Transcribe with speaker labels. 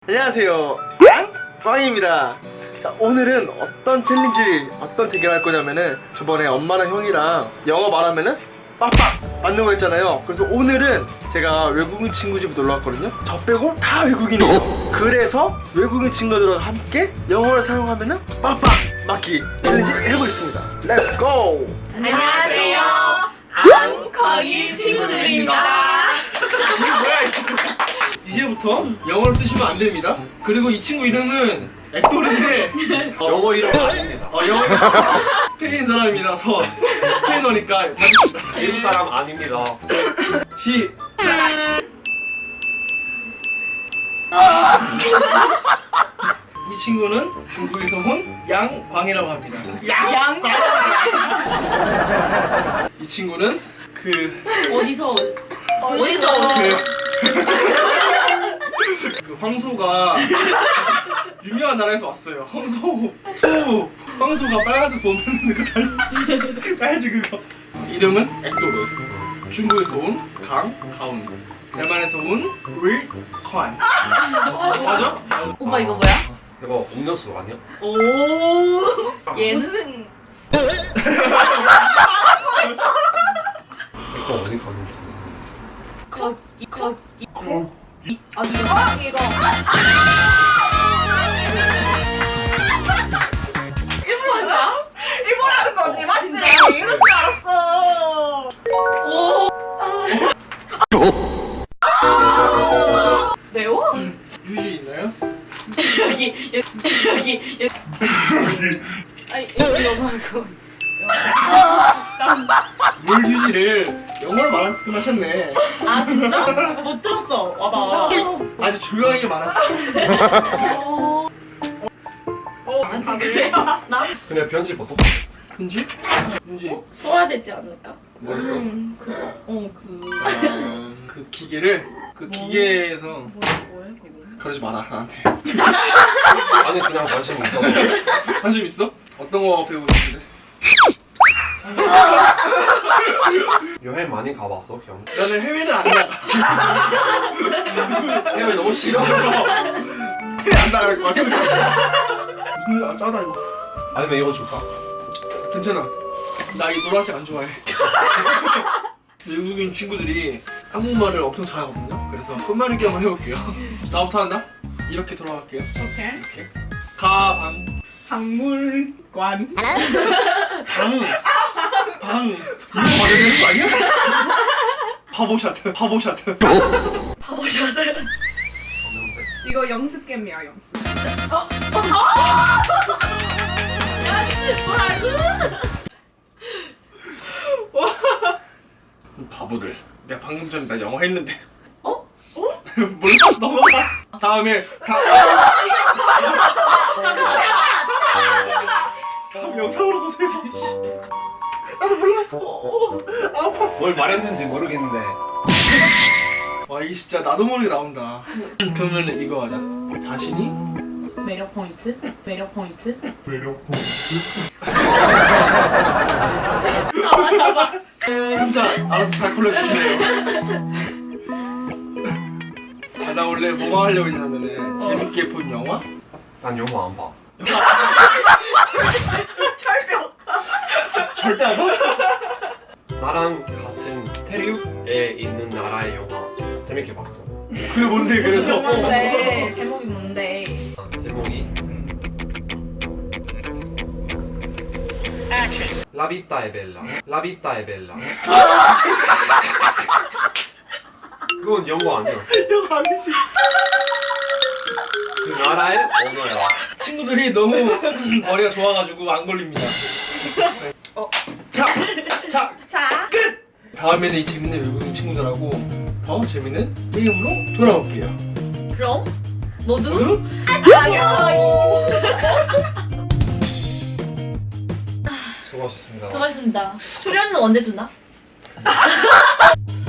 Speaker 1: 안녕하세요, 꽝입니다. 자, 오늘은 어떤 챌린지, 어떤 대결 할 거냐면은 저번에 엄마랑 형이랑 영어 말하면은 빡빡 맞는 거 했잖아요. 그래서 오늘은 제가 외국인 친구 집에 놀러 왔거든요. 저 빼고 다 외국인이에요. 그래서 외국인 친구들과 함께 영어를 사용하면은 빡빡 맞기 챌린지 해보겠습니다. 렛츠 고!
Speaker 2: 안녕하세요. 꽝이 친구들입니다.
Speaker 1: 뭐야 이거? 이제부터 영어를 쓰시면 안 됩니다. 그리고 이 친구 이름은 액돌인데
Speaker 3: 영어 이름 아닙니다.
Speaker 1: 영어 스페인 사람이라서 스페인어니까
Speaker 3: 미국 사람 아닙니다.
Speaker 1: 이 친구는 중국에서 온 양광이라고 합니다.
Speaker 2: 양
Speaker 1: 이 친구는
Speaker 2: 어디서
Speaker 1: 그 황소가 유명한 나라에서 왔어요. 황소가 빨간색 보면 그거 달지 그거. 이름은 액도르. 중국에서 온 가운. 대만에서 온 윌컨. 맞아?
Speaker 2: 오빠 이거 뭐야?
Speaker 3: 이거 음료수 아니야?
Speaker 2: 오 얘는
Speaker 3: 이거 어디 가는지.
Speaker 2: 이거
Speaker 4: 일본하는 거지, 맞지? 이럴 줄 알았어.
Speaker 2: 매워?
Speaker 1: 유지 있나요?
Speaker 2: 여기 아니 이거 말고
Speaker 1: 물 휴지를 영어로 말씀하셨네.
Speaker 2: 아 진짜? 못 들었어 와봐
Speaker 1: 아주 조용하게 말았어.
Speaker 2: 나한테 그래? 나
Speaker 3: 그냥 편집 어떡해?
Speaker 1: 현지? 현지
Speaker 2: 써야 되지 않을까?
Speaker 1: 뭐 했어?
Speaker 2: 그거
Speaker 1: 그 기계를 그 기계에서
Speaker 2: 뭐해 그거
Speaker 1: 그러지 마라 나한테.
Speaker 3: 아니 그냥 관심 있어.
Speaker 1: 관심 있어? 어떤 거 배우고 싶은데?
Speaker 3: 여행 많이 가봤어, 형?
Speaker 1: 나는 해외는 안 나가.
Speaker 3: 해외 너무 싫어.
Speaker 1: 해외 안 나갈 것 같아. 무슨 일? 아 짜다 이거.
Speaker 3: 아니면 이거 줄까?
Speaker 1: 괜찮아. 나 이 노란색 안 좋아해. 외국인 친구들이 한국말을 엄청 잘하거든요. 그래서 끝말잇기 한번 해볼게요. 나부터 한다. 이렇게 돌아갈게요.
Speaker 4: 오케이.
Speaker 1: 이렇게. 가방.
Speaker 4: 박물관.
Speaker 1: 방. 이거 말해야 되는 거 아니야? 바보샤트.
Speaker 2: 바보샤들
Speaker 4: 이거 연습 게임이야, 연습.
Speaker 1: 바보들. 내가 방금 전에 나 영어 했는데.
Speaker 2: 어?
Speaker 1: 몰라? 넘어가. 다음에 다음 영상으로 보세요. 나도 몰랐어. 아파.
Speaker 3: 뭘 말했는지 모르겠는데.
Speaker 1: 와 이게 진짜 나도 모르게 나온다. 그러면 이거 하자. 자신이
Speaker 2: 매력 포인트 잡아
Speaker 1: 혼자 알아서 잘 골라주시네요. 나 원래 뭐가 하려고 했냐면은 재밌게 본 영화?
Speaker 3: 난 영어 안 봐.
Speaker 1: 절대 안 봐?
Speaker 3: 나랑 같은 대륙에 있는 나라의 영화 재밌게 봤어.
Speaker 1: 그게 뭔데 그래서?
Speaker 4: 뭔데? 제목이 뭔데?
Speaker 3: 제목이 라비타 에벨라. 그건 영어 아니었어.
Speaker 1: 영화 아니지.
Speaker 3: 그 나라의 언어야.
Speaker 1: 친구들이 너무 머리가 좋아가지고 안 걸립니다. 자, 끝! 다음에는 이 재밌는 외국인 친구들하고 더 재밌는 게임으로 돌아올게요.
Speaker 2: 그럼 모두
Speaker 3: 수고하셨습니다.
Speaker 2: 수고하셨습니다. 출연은 언제 주나?